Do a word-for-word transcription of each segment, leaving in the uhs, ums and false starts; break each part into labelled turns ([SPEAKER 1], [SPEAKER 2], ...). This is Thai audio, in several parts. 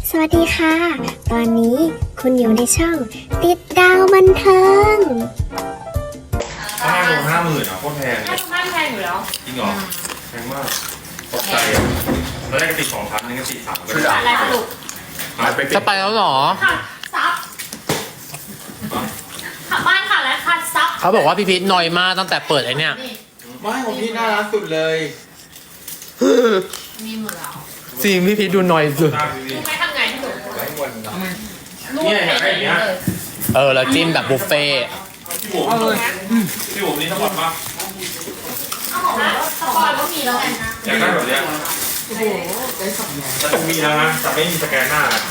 [SPEAKER 1] สวัสดีค่ะ ตอนนี้คุณอยู่ในช่องติดดาวบันเทิง
[SPEAKER 2] ห้าโลห้าหมื่นอ่ะโคตรแพง
[SPEAKER 3] ห้าพันแพงอยู่แล้ว
[SPEAKER 2] จริงเหรอแพงมากตกใจอ่ะแล้วได้กระติกสองพันนึงกระติกสามก็ได้
[SPEAKER 3] อะไรสรุป
[SPEAKER 2] หายไป
[SPEAKER 4] จะไปแล้วเหรอ
[SPEAKER 3] ค่ะซับขับบ้านค่ะแล้วค่ะซับ
[SPEAKER 4] เขาบอกว่าพี่พีทนอยมากตั้งแต่เปิดไอเนี่ย
[SPEAKER 5] ไม่ของพี่น่ารักสุดเลย
[SPEAKER 3] มีหมดแล้ว
[SPEAKER 4] จริงพี่พีทดูนอยสุด
[SPEAKER 2] ตามพี่
[SPEAKER 3] รู้ไหมทำไงที่หนู
[SPEAKER 5] ไว้หมดเนาะ
[SPEAKER 3] รูป
[SPEAKER 2] เนี่ยอ
[SPEAKER 3] เป็
[SPEAKER 2] ยาน กได้อย่างเงี้ย
[SPEAKER 3] เลย
[SPEAKER 4] เออแล้วจิ้มแบบบุฟเฟ่ต์
[SPEAKER 2] พี่บุ๋มพี่บุ๋มนี่ทั้งหมดปะ
[SPEAKER 3] เอาของแล้วสปอยก็มีแล้วไง
[SPEAKER 2] อยากได้แบบเนี้ยโอ้โหได้สองอย่างแต่ต้องมีแล้วนะแต่ไม่มีสแกนหน้านะ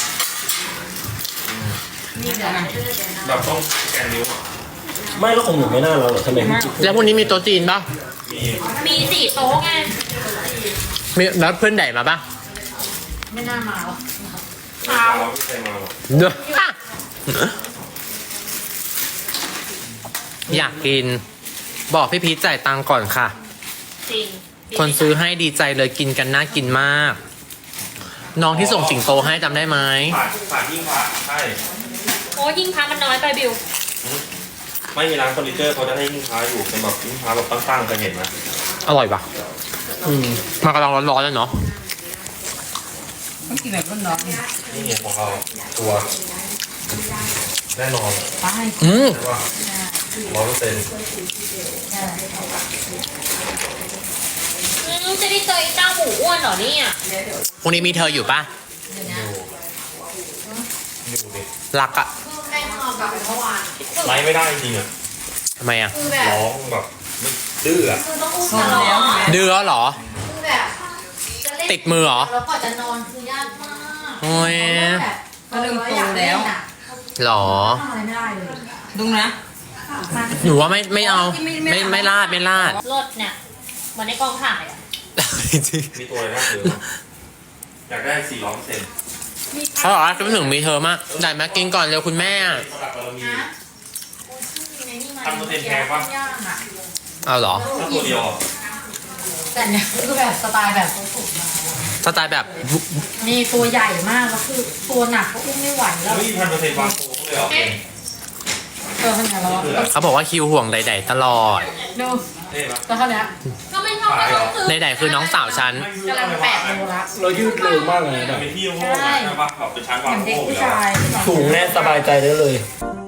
[SPEAKER 3] มีแต่
[SPEAKER 2] แบบต้องสแกนนิ้วอ่ะ
[SPEAKER 6] ไม่แล้วของหนูไม่น่าเราเหรอทำไมมัน
[SPEAKER 4] แล้วพรุ่งนี้มีโต๊ะจีนปะ
[SPEAKER 2] มี
[SPEAKER 3] มีสี่โต๊ะไง
[SPEAKER 4] มีแล้วเพื่อนไหนมาปะ
[SPEAKER 3] ไม่น่ามาหรอก
[SPEAKER 2] เช้าพี่ใครมาหรอ
[SPEAKER 4] เด้ออยากกิน บอกพี่พีทจ่ายตังค์ก่อนค่ะ
[SPEAKER 3] จริง
[SPEAKER 4] คนซื้อให้ดีใจเลยกินกันน่ากินมาก น้องที่ส่งสิงโตให้จำได้ไหม
[SPEAKER 2] ฝาดฝาดยิ่งพระใช่
[SPEAKER 3] โอ้ยิ่งพักมันน้อยไปบิว
[SPEAKER 2] ไม่มีร้านเฟอร์นิเจอร์เขาจะให้ยิ่งพระอยู่เป็นแบบยิ่งพระแบบตั้งๆเคยเห็นไหม
[SPEAKER 4] อร่อยปะอืมมากำลังร้อนๆเลยเนาะ
[SPEAKER 5] ต้องกินแบบร้อน
[SPEAKER 2] นี่ไงของเราตัวแน่นอน
[SPEAKER 5] ๆไป
[SPEAKER 4] อืม
[SPEAKER 2] ใช่ป่ะร้อยเปอร์เซ็นต์
[SPEAKER 3] อืมจะได้เจอไอ้เจ้าหมูอ้วนเหรอเนี่ย
[SPEAKER 4] พรุ่งนี้มีเธออยู่ปะ
[SPEAKER 2] อยู่ดิ
[SPEAKER 4] รักอะ
[SPEAKER 3] แม่งอแบบเมื่อวาน
[SPEAKER 2] ไลฟ์ไม่ได้จริงๆอ่ะ
[SPEAKER 4] ทำไมอะ
[SPEAKER 3] คือแบบ
[SPEAKER 2] ร้องแบบไม่ดื้ออ่ะ
[SPEAKER 3] คือต้องอุ้ม
[SPEAKER 5] โซ
[SPEAKER 3] ต
[SPEAKER 5] น
[SPEAKER 3] ลอ
[SPEAKER 5] แล้ว
[SPEAKER 3] ด
[SPEAKER 4] ดื้อเหรอ
[SPEAKER 3] คือแบบจะเล่น
[SPEAKER 4] ติดมือเหรอ
[SPEAKER 3] แล้วก่อนจะนอนคือยากมาก
[SPEAKER 4] โอ้ย
[SPEAKER 3] แบบ
[SPEAKER 5] ก็เริ่มโตแล้ว
[SPEAKER 4] หรอ
[SPEAKER 3] ทำอะไรไม่ได้เลย
[SPEAKER 5] ดุงนะ
[SPEAKER 4] หนูว่าไม่ไม่เอาไม่ไม่ลาดไม่ลาด
[SPEAKER 3] รถเนี่ยเหมือนในกองถ่ายอ่ะ
[SPEAKER 2] มีตัวอะไรน่าซื้อบ้างอยากได้สี่ร้อยเปอร์เซ็นต์
[SPEAKER 4] เขาบอกว่าคิดถึงมีเธอมากได้มากินก่อนเร็วคุณแม่
[SPEAKER 2] สลับบารมี
[SPEAKER 3] นะ
[SPEAKER 2] ทำเปอร์เซ็นต์แพงปะ
[SPEAKER 3] ย่างอ่ะ
[SPEAKER 4] เอาเหรอ
[SPEAKER 2] ถ้าตัวเดียวอ่ะ
[SPEAKER 3] แต่เนี่ยคือแบบสไตล์แบบ
[SPEAKER 4] สไตล์แบบ
[SPEAKER 3] มีตัวใหญ่มากแล้วคือตัวหนักก็อุ้มไม่ไหวแล้ว
[SPEAKER 2] ไม่มีพันเปอร์เซ็นต์วางโค้งเลยเหรอ
[SPEAKER 3] เออขนาดแล้วอะ
[SPEAKER 4] เขาบอกว่าคิวห่วงใดๆตลอด
[SPEAKER 3] ดู
[SPEAKER 2] เท่ปะ
[SPEAKER 3] แล้วเท่านี้ก็ไม่ชอบก็ต้องซื้อ
[SPEAKER 4] ใดๆคือน้องสาวฉัน
[SPEAKER 3] กำลังแปดโลละ
[SPEAKER 6] เรายืดเร็วมากเลย
[SPEAKER 2] แต่
[SPEAKER 6] นะ
[SPEAKER 2] เป็นที่โค้งใช่ปะแบบเป็นชั้น
[SPEAKER 3] เห
[SPEAKER 2] วาง
[SPEAKER 3] มือนเด็ก
[SPEAKER 2] โค้งอ
[SPEAKER 3] ผู้
[SPEAKER 2] ยู่แล้ว
[SPEAKER 3] ชาย
[SPEAKER 6] สูงแน่สบายใจได้เลย
[SPEAKER 2] เ